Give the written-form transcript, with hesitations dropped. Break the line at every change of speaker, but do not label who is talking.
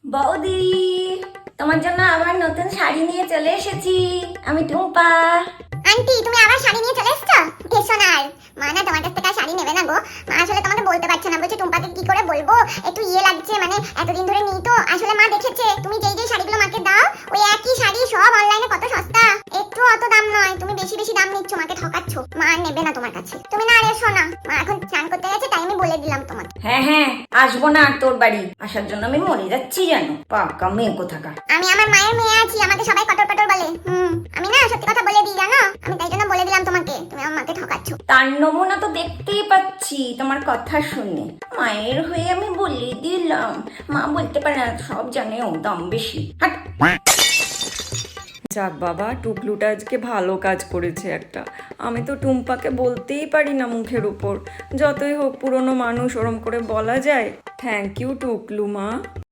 বৌদি, তোমার জন্য আবার নতুন শাড়ি নিয়ে চলে এসেছি। আমি টুম্পা।
আন্টি, তুমি আবার শাড়ি নিয়ে চলে এসেছো? এসো না আর। মা না তোমার কাছ থেকে আর শাড়ি নেবে না গো। মা আসলে তোমাকে বলতে পারছে না, বলছে টুম্পাকে কি করে বলবো, একটু লাগছে, মানে এতদিন ধরে নিই তো। আসলে মা দেখেছে তুমি যেই যেই শাড়িগুলো মাকে দাও, ওই একই শাড়ি সব অনলাইনে কত সস্তা, একটু অত দাম নয়। তুমি বেশি বেশি দাম নিচ্ছ, মাকে ঠকাচ্ছ। মা আর নেবে না তোমার কাছে। তুমি না আর এসো না, মা এখন স্নান করতে গেছে, তাই আমি বলে দিলাম তোমাকে।
হ্যাঁ হ্যাঁ, আসবো না আর তোর বাড়ি। আসার জন্য আমি মরে যাচ্ছি জানো, পাকা মেয়ে কোথাকার।
আমি আমার মায়ের মেয়ে আছি, আমাকে সবাই কটর কটর বলে। আমি না সত্যি কথা বলে দিই জানো, আমি তাই জন্য বলে দিলাম তোমাকে, তুমি আমার মাকে ঠকাচ্ছ।
তার নমুনা তো দেখতেই পাচ্ছি তোমার কথা শুনে। মায়ের হয়ে আমি বলে দিলাম। মা বলতে পারে না, সব জানে, ও দাম বেশি। হাট।
যাক বাবা, টুকলুটা আজকে ভালো কাজ করেছে একটা। আমি তো টুম্পাকে বলতেই পারি না মুখের উপর। যতই হোক পুরনো মানুষ, ওরম করে বলা যায়? থ্যাংক ইউ টুকলু মা।